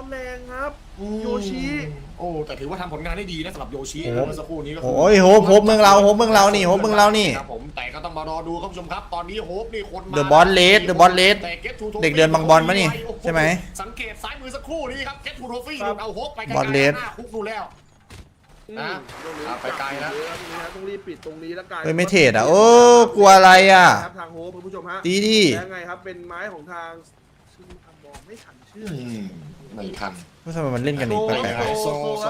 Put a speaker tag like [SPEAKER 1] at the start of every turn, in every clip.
[SPEAKER 1] แรงครับโยชิ
[SPEAKER 2] โอ้แต่ถือว่าทำผลงานได้ดีนะสำหรับโยชิเมื่อสักครู่นี้ก็
[SPEAKER 3] โอ้ยโฮปเมืองเรานี่โฮปเมืองเรานี่
[SPEAKER 2] ครับผมแต่ก็ต้องมารอดูครับผู้ชมครับตอนนี้โฮปนี่คนมา
[SPEAKER 3] เดอะบอสเลสเด็กเดินบางบอลปะนี่ใช่ไหม
[SPEAKER 2] สังเกตซ้ายมือสักครู่นี้ครับเกตทูโทฟี่เอาโฮปไปไกล
[SPEAKER 3] บอสเลส
[SPEAKER 2] หน้าคุกดูแล้วนะไปไกลนะ
[SPEAKER 1] ต้องรีบปิดตรงนี้แล้วกัน
[SPEAKER 3] เฮ้ยไม่เทรดอ่ะโอ้กลัวอะไรอ่ะ
[SPEAKER 1] ครับทางโฮปคุณผู้ชมฮะ
[SPEAKER 3] ดีดิ
[SPEAKER 1] ยังไงครับเป็นไม้ของทางซึ่งมองไม่ทันชื่อ
[SPEAKER 2] ไม่ทัน
[SPEAKER 3] ทำไมมันเล่นกันอีกแปลก
[SPEAKER 2] โซ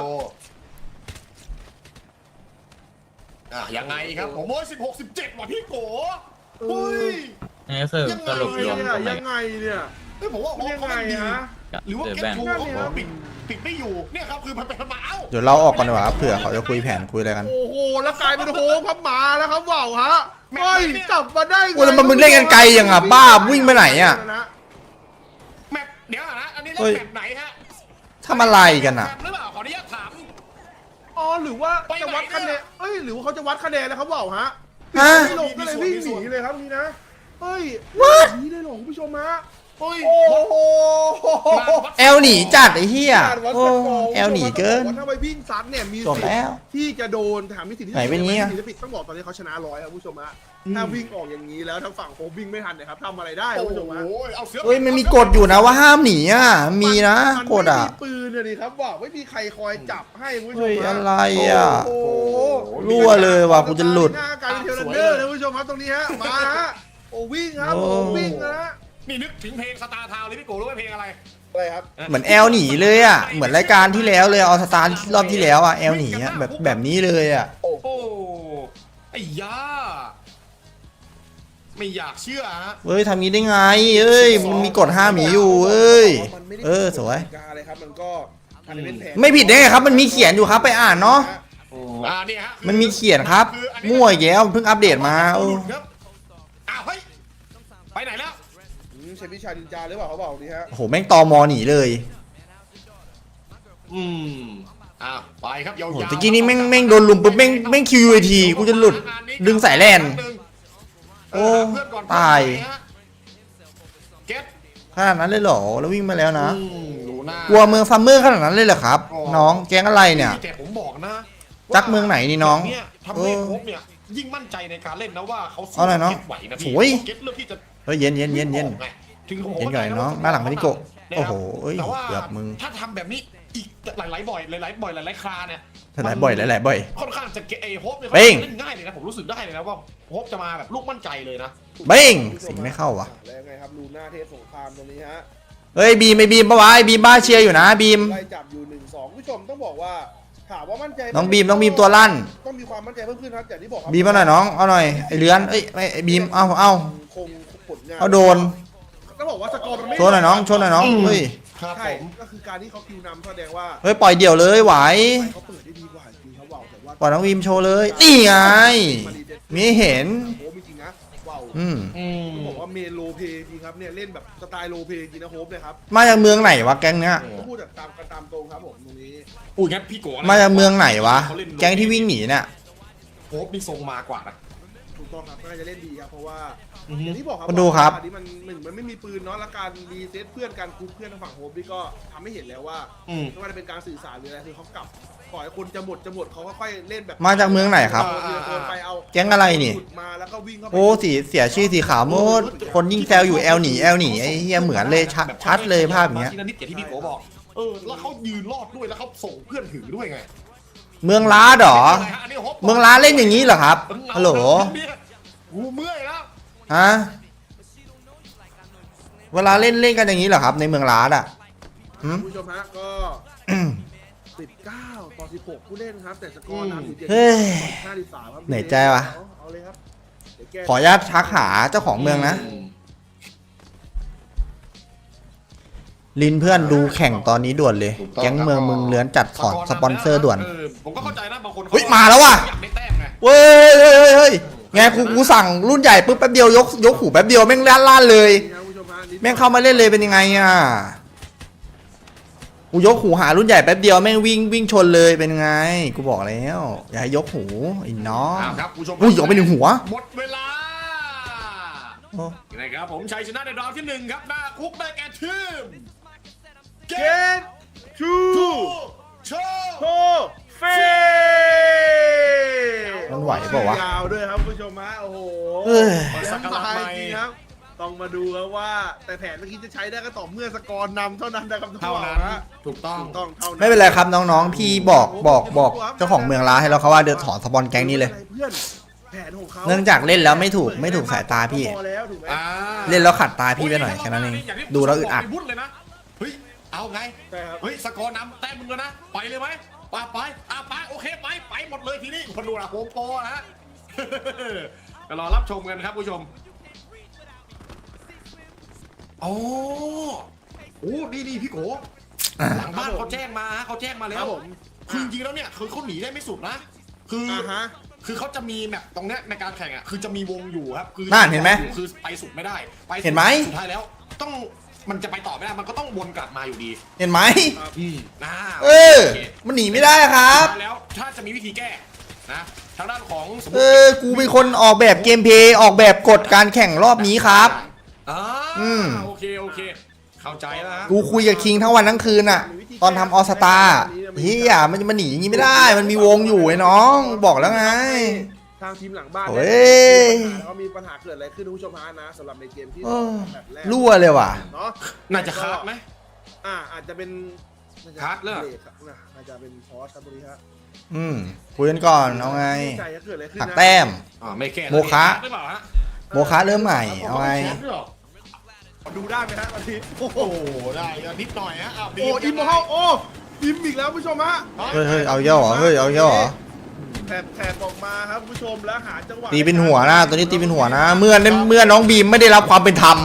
[SPEAKER 2] ยังไงครับผมโอ้ย16-17ว่ะพี่โกเฮ้ย
[SPEAKER 4] นี่ก็คือสรุปรวมตรงไหน
[SPEAKER 1] ยังไงเนี่ย
[SPEAKER 2] เฮ้ยผมว่าโฮป
[SPEAKER 1] ยัง
[SPEAKER 2] เขา
[SPEAKER 1] ไง
[SPEAKER 2] ไม่ดี
[SPEAKER 1] ฮะ
[SPEAKER 2] หรือว่า
[SPEAKER 4] เดอะ
[SPEAKER 2] เก็
[SPEAKER 4] แบ
[SPEAKER 2] ต
[SPEAKER 4] ง
[SPEAKER 2] ทู
[SPEAKER 4] ค์
[SPEAKER 2] เขาปิดไม่อยู่เนี่ยครับคือมันเป็นมาเอ้า
[SPEAKER 3] เดี๋ยวเราออกก่อนดีกว่าครับเผื่อเขาจะคุยแผนคุยอะไรกัน
[SPEAKER 1] โอ้โหแล้วกลายเป็นโฮปครับมาแล้วครับว่าวฮะเฮ้ยกลับมาได้ไง
[SPEAKER 3] โอ้แล้วมึงเล่นกันไกลอย่างอ่ะบ้าวิ่งไปไหนอ่ะ
[SPEAKER 2] แมปเดี๋ยวนะอันนี้เล่
[SPEAKER 3] เฮ้
[SPEAKER 2] น
[SPEAKER 3] ย
[SPEAKER 2] แมปไหนฮะ
[SPEAKER 3] ทำอะไรกันอ่ะ
[SPEAKER 2] แมปหรือเปล่าขออนุญาตถาม
[SPEAKER 1] อ๋อหรือว่า
[SPEAKER 2] ไป
[SPEAKER 1] จะ
[SPEAKER 2] ไหน
[SPEAKER 1] วัดคะแนนเอ้ยหรือว่าเขาจะวัดคะแนนแล้วครับว่าวฮะ
[SPEAKER 3] ฮะ
[SPEAKER 1] ไม่ลงก็เลยวิ่งหนีเลยครับนี่นะเฮ้ย
[SPEAKER 3] What?
[SPEAKER 1] หนีเลยเหรอคุณผู้ชมฮะ
[SPEAKER 2] โอ้ย
[SPEAKER 1] โอ้โห
[SPEAKER 3] แอลหนีจัดไอ้เหี้ย
[SPEAKER 1] การวัด
[SPEAKER 3] โอ้
[SPEAKER 1] สกอร์
[SPEAKER 3] แอลหนีเกิน
[SPEAKER 1] ถ้าไปวิ่งซัดเนี่ยมี
[SPEAKER 3] จบ
[SPEAKER 1] สิท
[SPEAKER 3] แล้ว
[SPEAKER 1] ธิ์ที่จะโดนถามมีสิทธิ์ที่
[SPEAKER 3] ไหนเป็นงี้อะ
[SPEAKER 1] มีสิทธิ์ที่ต้องบอกตอนนี้เขาชนะ100ครับคุณผู้ชมฮะถ้าวิ่งออกอย่างนี้แล้วทางฝั่งโควิ่งไม่ทันนะครับทำอะไรได้
[SPEAKER 2] โอ้
[SPEAKER 1] คุณผู้ชมฮะ
[SPEAKER 2] ยเอาเสือ
[SPEAKER 3] เฮ้ยมันมีกฎอยู่นะว่าห้ามหนีอ่ะมีนะกฎอ่ะ
[SPEAKER 1] มันไม่มีปืนเลยดิครับว่าไม่มีใครคอยจับให้คุณผู้ชม
[SPEAKER 3] เฮ้ย
[SPEAKER 1] ฮะ
[SPEAKER 3] อะไรอ่ะ
[SPEAKER 1] โอ้โห
[SPEAKER 3] รั่วเลยว่ะกูจะหลุด
[SPEAKER 1] หน้าการเป็นเทเลนเดอร์นะคุณผู้ชมครับตรงนี้ฮะมาฮะโอ้วิ่งครับ
[SPEAKER 3] โอ้
[SPEAKER 1] โอ้วิ่งนะฮะ
[SPEAKER 2] นี่นึกถึงเพลงสตาร์ทาวน์เลยพี่โกรู้ไหมเพลงอะไร
[SPEAKER 1] อะไรครับ
[SPEAKER 3] เหมือนแอลหนีเลยอ่ะเหมือนรายการที่แล้วเลยเอาสตาร์รอบที่แล้วอ่ะแอลหนีอ่ะแบบนี้เลยอ่ะ
[SPEAKER 2] โอ้โหไอ้ยาไม่อยากเชื่อฮะ
[SPEAKER 3] เฮ้ยทำงี้ได้ไงเอ้ยมันมีกฎห้ามหนีอยู่เอ้ยสวย
[SPEAKER 1] อะไรครับมันก็อาจจะเป็นแผน
[SPEAKER 3] ไม่ผิดได้ไงครับมันมีเขียนอยู่ครับไปอ่านเนาะ
[SPEAKER 2] เนี่ยฮะ
[SPEAKER 3] มันมีเขียนครับมั่วอีกแล้วเพิ่งอัปเดตมาโอ้
[SPEAKER 2] ครับอ้าวเฮ้ยไปไหนแล้ว
[SPEAKER 1] ใช้วิชาดินจาหรือเปล่าเขาบอกนี่ฮะ
[SPEAKER 3] โหแม่งตอมอหนีเลย
[SPEAKER 2] อ้าวไปครับยาว
[SPEAKER 3] โห
[SPEAKER 2] ๆ
[SPEAKER 3] ตะกี้นี้แม่งโดนลุมปุ๊บแม่งคิวทีกูจะหลุดดึงสายแลน โอ้ตาย
[SPEAKER 2] เก็ต
[SPEAKER 3] ขนาดนั้นเลยเหรอแล้ววิ่งมาแล้วนะ
[SPEAKER 2] ดูหน้าก
[SPEAKER 3] ลัวเมืองซัมเมอร์ขนาดนั้นเลยเหรอครับ น้องแก๊งอะไรเนี่ย
[SPEAKER 2] แต่ผมบอกนะ
[SPEAKER 3] จักเมืองไหนนี่น้อง
[SPEAKER 2] เนี่ยทำให้โค้ชเนี่ยยิ่งมั่นใจในการเล่นนะว่าเขาสู้
[SPEAKER 3] เอาหน่อยเนอะ
[SPEAKER 2] เก็ตไหวนะ
[SPEAKER 3] โอ้
[SPEAKER 2] พี่
[SPEAKER 3] ย
[SPEAKER 2] เก็ตเลือกที่จะ
[SPEAKER 3] เฮ้ยเย็น
[SPEAKER 2] ถึงผม
[SPEAKER 3] เย็นก่อนน้องหน้าหลังมานิโกะ
[SPEAKER 2] นะครับ
[SPEAKER 3] โอ้โหเอ้ย
[SPEAKER 2] แต่ว่า
[SPEAKER 3] เกือบมึง
[SPEAKER 2] ถ้าทำแบบนี้อีกหลายๆบ่อยหลายๆคราเนี่ย
[SPEAKER 3] หลายบ่อย
[SPEAKER 2] ค่อนข้างจะเกโฮปเนี่ย
[SPEAKER 3] เป้ง
[SPEAKER 2] เล่นง่ายเลยนะผมรู้สึกได้เลยนะว่าโฮปจะมาแบบลูกมั่นใจเลยนะ
[SPEAKER 3] เบ้งสิงไม่เข้าวะ
[SPEAKER 1] แล้วไงครับลูน่าเทพสงครามตรงนี้ฮะ
[SPEAKER 3] เฮ้ยบีมไม่บีมปะวะไอ้บีมบ้าเชียร์อยู่นะบีม
[SPEAKER 1] ไล่จับอยู่1-2ผู้ชมต้องบอกว่าถามว่ามั่นใจ
[SPEAKER 3] น้องบีมตัวลั่น
[SPEAKER 1] ต้องมีความมั่นใจเพิ่มขึ้นครับอย่างที่บอกครับ
[SPEAKER 3] บีมเอาหน่อยน้องเอาหน่อยไอ้เลื้อนเอ้ยไอ้บีมเอา
[SPEAKER 1] คงผลงาน
[SPEAKER 3] เอาโดน
[SPEAKER 1] ต้องบอกว่าสกอร์มันไม่
[SPEAKER 3] ชนหน่อยน้องเฮ้ย
[SPEAKER 2] ครับ
[SPEAKER 1] ใช่
[SPEAKER 2] ผม
[SPEAKER 1] ก็คือการที่เขาคิวนำแสดงว่า
[SPEAKER 3] เฮ้ยปล่อยเดี่ยวเลยไหว
[SPEAKER 1] เขาเปิดได้ดีกว่าจริงเขาบอกแต่ว่า
[SPEAKER 3] ปล่อยน้องบีมโชว์เลยนี่ไงมีให้เห็น
[SPEAKER 1] โอ้จริงๆนะว้าว
[SPEAKER 3] อืม
[SPEAKER 1] ต้องบอกว่าเมนโลเพจริงครับเนี่ยเล่นแบบสไตล์โลเพจริงนะโฮปเนี่ยครับ
[SPEAKER 3] มาจากเมืองไหนวะแก๊งเนี้ย
[SPEAKER 1] ก็พูดแบบตามตรงครับผมตรงนี้
[SPEAKER 2] อุ้ยงั้นพี่โกะนะ
[SPEAKER 3] มาจากเมืองไหนวะแก๊งที่วิ่งหนีเนี่ย
[SPEAKER 2] โฮปนี่ทรงมากว่านะ
[SPEAKER 1] ถูกต้องครับน่าจะเล่นดีครับเพราะว่า
[SPEAKER 2] อือฮึ
[SPEAKER 1] อย่างที่บอกครับ
[SPEAKER 3] มาดูครับ
[SPEAKER 1] อันนี้มันหนึ่งมันไม่มีปืนเนาะแล้วการรีเซ็ตเพื่อนการกรุ๊ปเพื่อนทางฝั่งโฮปนี่ก็ทำให้เห็นแล้วว่า ไม่ว่าจะเป็นการสื่อสารหรืออะไรคือเขากลับปล่อยให้คนจะหมดเขาก็ค่อยเล่นแบบ
[SPEAKER 3] มาจากเมืองไหนครับ
[SPEAKER 1] ไปเอา
[SPEAKER 3] แก๊งอะไรนี่
[SPEAKER 1] หลุดมาแล้วก็วิ่งเข้าไป
[SPEAKER 3] โอ้เสียชื่อสีขาวหมดคนยิ่งแซวอยู่แอลหนีไอ้เฮียเหมือนเลยชัดเลยภาพอย่างเงี้ย
[SPEAKER 2] ทีละนิดอย่างที่พี่โกบอกแล้วเขายืนรอดด้วยแล้วเขาส่งเพื่อนถือด้วยไง
[SPEAKER 3] เมืองล้าเหรอ
[SPEAKER 2] อันนี้โฮป
[SPEAKER 3] เมืองล้าเล่นอย่างนี้เหรอครับฮัลโหล
[SPEAKER 2] กูเมื่อยแล้ว
[SPEAKER 3] ฮะเวลาเล่นกันอย่างนี้เหรอครับ ในเมืองล้าอ่ะหืม
[SPEAKER 1] ผู้ชมฮะก็19-16ผู้เล่นครับแต่สกอร์นำอยู่
[SPEAKER 3] เฮ้ย
[SPEAKER 1] 53ครับ
[SPEAKER 3] เหนื่อยใจว่ะ
[SPEAKER 1] เอาเลยครับเดี๋ยวแก้
[SPEAKER 3] ขออนุญาตทักหาเจ้าของเมืองนะลินเพื่อนดูแข่งตอนนี้ด่วนเลย แก๊งเมืองมึงเลื้อนจัดถอนสปอนเซอร์ด่วน
[SPEAKER 2] ผมก็เข้าใจนะบางคน
[SPEAKER 3] เฮ้ยมาแล้วว่ะ
[SPEAKER 2] อยากได้แต้มไง
[SPEAKER 3] เฮ้ยไงกูสั่งรุ่นใหญ่ปุ๊บแป๊บเดียวยกหูแป๊บเดียวแม่งล้านเลย
[SPEAKER 1] นี่ครับผู้ชมฮะ
[SPEAKER 3] แม่งเข้ามาเล่นเลยเป็นยังไงอ่ะกูยกหูหารุ่นใหญ่แป๊บเดียวแม่งวิ่งชนเลยเป็นไงกูบอกแล้วอย่าให้ยกหูไอ้น้อง
[SPEAKER 2] ครับผู้ชม
[SPEAKER 3] อุ้ยออกไปหนึ่งหัว
[SPEAKER 2] หมดเวลา
[SPEAKER 3] โอ้
[SPEAKER 2] นะครับผมชัยชนะในรอบที่1ครับหน้าคุกได้แก่ทีม
[SPEAKER 1] เกต
[SPEAKER 3] เอ้ย
[SPEAKER 2] สักการะ
[SPEAKER 1] ท้าย
[SPEAKER 2] ใหม่
[SPEAKER 1] จริงครับต้องมาดูครับว่าแต่แผนเมื่อกี้จะใช้ได้ก็ต่อเมื่อสกอร์นำเท่านั้นนะครับ
[SPEAKER 2] เท่านั้น
[SPEAKER 1] ฮะ
[SPEAKER 2] ถูกต้อง
[SPEAKER 1] ถูกต้องเท่านั้น
[SPEAKER 3] ไม่เป็นไรครับน้องๆ พี่บอกเจ้าของเมืองร้านให้เราเขาว่าเดือดถอนสปอนแก๊งนี้เลย
[SPEAKER 1] เพื่อนแผนของเขา
[SPEAKER 3] เนื่องจากเล่นแล้วไม่ถูกสายตาพี่
[SPEAKER 1] พอแล้วถูกไหม
[SPEAKER 2] อ่า
[SPEAKER 3] เล่นแล้วขัดตาพี่ไปหน่อยแค่นั้นเองดูแล้วอึดอัด
[SPEAKER 2] วุ่นเลยนะเฮ้ยเอาไง
[SPEAKER 1] ใช่ครับ
[SPEAKER 2] เฮ้ยสกอร์นำแต้มมึงแล้วนะไปเลยไหมไปโอเคไปหมดเลยทีนี้คนดูนะโฮมโปรนะฮะ ก็รอรับชมกันครับผู้ชมโอ้ดีพี่โกหลังบ้านเขาแจ้งมาแล้
[SPEAKER 1] ครั
[SPEAKER 2] ว
[SPEAKER 1] บผม
[SPEAKER 2] คือจริงๆแล้วเนี่ยคือเขาหนีได้ไม่สุดนะคือ
[SPEAKER 1] ฮะ
[SPEAKER 2] คือเขาจะมีแมปตรงเนี้ยในการแข่งอ่ะคือจะมีวงอยู่ครับคือ
[SPEAKER 3] นั่นเห็นไหม
[SPEAKER 2] คือไปสุดไม่ได้ไปสุด
[SPEAKER 3] เห็นไหม
[SPEAKER 2] สุดท้ายแล้วต้องมันจะไปต่อไม่ได้มันก็ต้องวนกลับมาอยู่ดี
[SPEAKER 3] เห็นไหม
[SPEAKER 2] อ่า
[SPEAKER 3] เออ มันหนีไม่ได้ครับ
[SPEAKER 2] สุดท้ายแล้วถ้าจะมีวิธีแก้นะทางด้านของสมม
[SPEAKER 3] เอ
[SPEAKER 2] ติ
[SPEAKER 3] อ กูเป็นคนออกแบบเกมเพลย์ออกแบบกฎการแข่งรอบนี้ครับ
[SPEAKER 2] อ่า
[SPEAKER 3] อืม
[SPEAKER 2] โอเคเข้าใจแล้วฮะ
[SPEAKER 3] กูคุยกับคิงทั้งวันทั้งคืนอะตอนทำออสตาเฮียมันจะมาหนีอย่างนี้ไม่ได้ มันมีวงอยู่ไอ้น้องบอกแล้วไง
[SPEAKER 1] ทางทีมหลังบ้าน
[SPEAKER 3] โอ้ย
[SPEAKER 1] เขามีปัญหาเกิดอะไรขึ้นคุณผู้ชมฮะนะสำหรับในเกมที่
[SPEAKER 3] เออ
[SPEAKER 1] แบบแรก
[SPEAKER 3] รั่วเลยว่ะ
[SPEAKER 1] เนาะ
[SPEAKER 2] น่าจะคาดไหม
[SPEAKER 1] อาจจะเป็นน่าจะ
[SPEAKER 2] คัดเหรอ
[SPEAKER 1] บครับน่าจะเป็นพอสครับตรงนี้ฮะ
[SPEAKER 3] คุยกันก่อนเอาไง
[SPEAKER 1] ม่ใจจะเกิดอะไรขึ้น
[SPEAKER 3] หัก
[SPEAKER 1] นะ
[SPEAKER 3] แต้ม
[SPEAKER 2] ไม่แก้
[SPEAKER 3] โมคะ
[SPEAKER 2] หรือเปล่าฮะ
[SPEAKER 3] โมคะเริ่มใหม่เอาไง
[SPEAKER 2] แชมป์ด้วยเหรอ
[SPEAKER 1] ดูได้ไหมฮะตอนนี้โอ้โห
[SPEAKER 2] โอ้ได้ก็นิดหน่อยฮะาว
[SPEAKER 1] โอ้อิมโมเฮาโอ้อิมอีกแล้วผู้ชมฮะ
[SPEAKER 3] เฮ้ยเอาเยอะเหรอเฮ้ยเอาเยอะเหรอ
[SPEAKER 1] แถบออกมาครับผู้ชมแล้วหาจังหวะ
[SPEAKER 3] ตีเป็นหัวนะตัวนี้ตีเป็นหัวนะ เมื่อน้องบีมไม่ได้รับความเป็นธรรม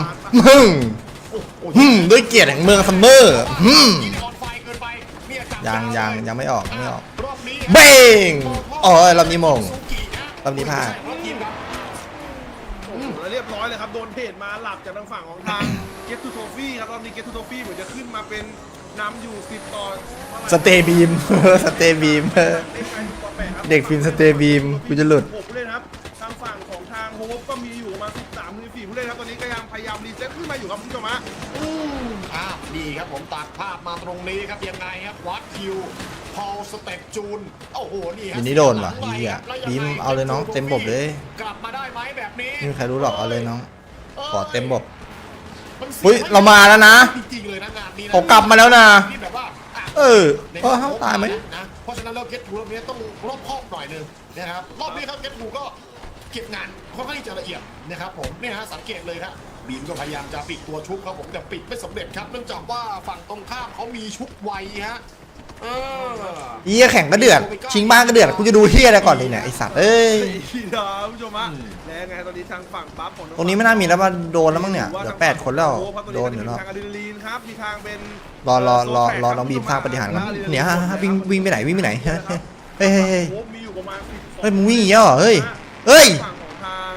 [SPEAKER 3] ด้วยเกียรติแห่งเมืองซัมเมอร์
[SPEAKER 2] ยิงออนไฟเกินไปเนี่ยจับ
[SPEAKER 3] ยังไม่ออก
[SPEAKER 2] รอบนี้
[SPEAKER 3] เบ้งอ๋อรอบนี้มง
[SPEAKER 2] ซูกินะ
[SPEAKER 3] รอบนี้พลาด
[SPEAKER 2] รอบทีมครับ
[SPEAKER 1] โอ้โหแล้วเรียบร้อยเลยครับโดนเพจมาหลับจากทางฝั่งของทางเกตทูโทฟี่ครับรอบนี้เกตทูโทฟี่เหมือนจะขึ้นมาเป็นนำอยู่10ต่อ
[SPEAKER 3] สเตย์บีม สเตย์บีม เด็กฟินสเตย์บีมกูจะหลุด
[SPEAKER 1] 6ผู้เล่นครับทางฝั่งของทางโฮปก็มีอยู่ประมาณ13-14ผู้เล่นครับตอนนี้ก็ยังพยายามรีเซ็ตขึ้นมาอยู่ครับคุณผู้ชมฮะ
[SPEAKER 2] ดีครับผมตัดภาพมาตรงนี้ครับยังไงครับวัดคิวพอลสเต็ปจูนโอ้โหนี่ครับ
[SPEAKER 3] อันนี้โดนว่ะเหี้ยบีมเอาเลยน้องเต็มบบเลย
[SPEAKER 2] กลับมาได้ไหมแบบนี้
[SPEAKER 3] ไม่มีใครรู้หรอกเอาเลยน้อง ขอเต็มบบ
[SPEAKER 2] มันสี
[SPEAKER 3] อุ๊ยเรามาแล้วนะ
[SPEAKER 2] จริงๆเลยนะงานนี้นะ
[SPEAKER 3] เขากลับมาแล้วนะ
[SPEAKER 2] ที่แบบว่าอ่ะ
[SPEAKER 3] เออเขาตายไหม
[SPEAKER 2] นะเพราะฉะนั้นเราเก็ตทูรอบนี้ต้องรอบคอบหน่อยหนึงนะครับรอบนี้ครับเก็ตทูก็เก็บงานค่อนข้างที่จะละเอียดนะครับผมเนี่ยฮะสังเกตเลยครับบีมก็พยายามจะปิดตัวชุบครับผมแต่ปิดไม่สำเร็จครับเนื่องจากว่าฝั่งตรงข้ามเขามีชุบไวฮะ
[SPEAKER 3] เฮียแข่งก็เดือด ชิงบ้านก็เดือดกูจะดูเฮียอะไรก่อนเลยเนี่ยไอสัตว์เอ้ย
[SPEAKER 1] พี่น้องผู้ชมฮะแล้วไงตอนนี้ทางฝั่งปั๊บของ
[SPEAKER 3] ตรงนี้ไม่น่ามีแล้วว่าโดนแล้วมั้งเนี่ยเหลือ8คนแล้วโดนอยู่แล้ว
[SPEAKER 1] ทางอะดรีนาลีนครับมีทางเป็น
[SPEAKER 3] รอน้องบีมสร้างปฏิหารย์ก่อนเนี่ยฮะวิ่งไปไหนเฮ้ย
[SPEAKER 1] โอ้มีอยู่ประมาณ12
[SPEAKER 3] เฮ้ยมึงวิ่งอย่างเงี้ยเหรอเฮ้ย
[SPEAKER 1] ฝั่งของทาง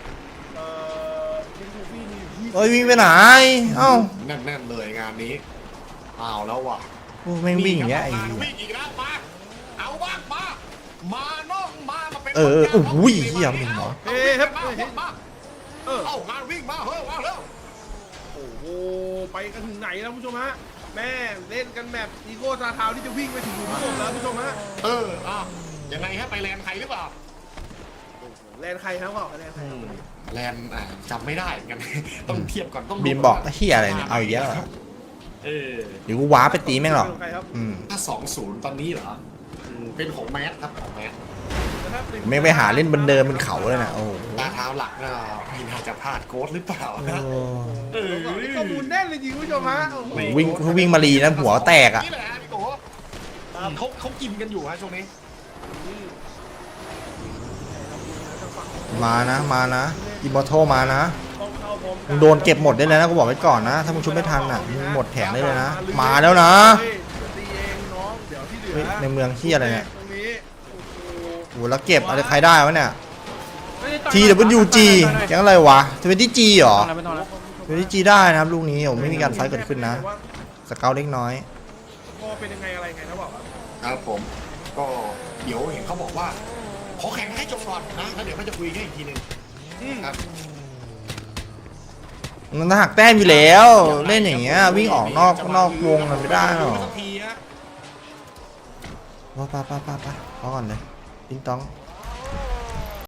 [SPEAKER 1] ลิงทูฟี่มีอยู่ที่
[SPEAKER 3] เฮ้ยวิ่งไปไหนเอ้า
[SPEAKER 2] แน่นๆเลยงานนี้เอาแล้วว่ะ
[SPEAKER 3] โอ้แม่งวิ่งอย่างเงี้ยไอ้
[SPEAKER 2] มา
[SPEAKER 3] เหี้ย
[SPEAKER 2] วิ่งอีกแล้วมาเอาบ้างมาน้องมาเป็น
[SPEAKER 3] โอ้ยเหี้ยมึงเหรอ
[SPEAKER 1] เฮ้ยครับ
[SPEAKER 2] มา
[SPEAKER 1] เฮ้ย
[SPEAKER 2] มา
[SPEAKER 1] เออ
[SPEAKER 2] เอางานวิ่งมาเฮ้ยมาเร็ว
[SPEAKER 1] โอ้โหไปกันถึงไหนแล้วผู้ชมฮะแม่เล่นกันแบบอีโก้ซาทาวที่จะวิ่งไปถึงหลุมศพแล้วผู้ชมฮะ
[SPEAKER 2] ยังไงฮะไปแลนด์ใครหรือเปล่า
[SPEAKER 1] แลนใครครับบอกแลนใครครับ
[SPEAKER 2] แลนด์จำไม่ได้กัน ต้องเทียบก่อนต้องดู
[SPEAKER 3] บีมบอกเฮียอะไรเนี่ยเอาอีกแล้วเหรอ
[SPEAKER 2] เออ
[SPEAKER 3] เดี๋ยวกูว้าไปตีแม่งหรอก
[SPEAKER 1] ใครครับ
[SPEAKER 2] ถ้า2-0ตอนนี้เหรอเป็นของแมสครับของแมส
[SPEAKER 3] แม่งไปหาเล่นบนเดิมบนเขาเลยนะโอ้โห
[SPEAKER 2] ตาเท้าหลักนะมีน่าจะพลาดโค้ดหรือเปล่านะ
[SPEAKER 1] ข้อมูลแน่นเลยจริงผู้ชมฮะ
[SPEAKER 3] วิ่งมารีนะหัวแตกอ่ะ
[SPEAKER 2] นี่แหละพี่โกเขากินกันอยู่ฮะช่วงนี้
[SPEAKER 3] มานะอิมมอร์ทัลมานะมึงโดนเก็บหมดได้เลยนะกูบอกไว้ก่อนนะถ้ามึงชุบไม่ทันอ่ะมึงหมดแผงได้เลยนะมาแล้วนะ
[SPEAKER 1] ตีเองน้องเดี๋ยวที่เหลื
[SPEAKER 3] เฮ้ย
[SPEAKER 1] อ
[SPEAKER 3] ในเมืองเฮียอะไรเนี่ย
[SPEAKER 1] ตรงนี้โอ้โห
[SPEAKER 3] โอ้แล้วเก็บอะไรใครได้วะเนี่ย TWG แก๊งอะไรวะ20G เหรอ 20G ได้นะครับลูกนี้ผมไม่มีการไฟท์เกิดขึ้นนะสเกลเล็กน้อย
[SPEAKER 1] ก็เป็นยังไงอะไรไงนะบอกครับ
[SPEAKER 2] ครับผมก็เดี๋ยวเห็นเขาบอกว่าขอแข่งให้จบก่อนนะแล้วเดี๋ยวเขาจะคุยกันอีกทีหนึงครับ
[SPEAKER 3] มันหักแต้มอยู่แล้ว เล่นอย่างเงี้ยวิ่งออกนอกวงมันไม่ได้หรอก
[SPEAKER 2] สักทีฮะ
[SPEAKER 3] ป้าพอก่อนเลยติ๊งต้อง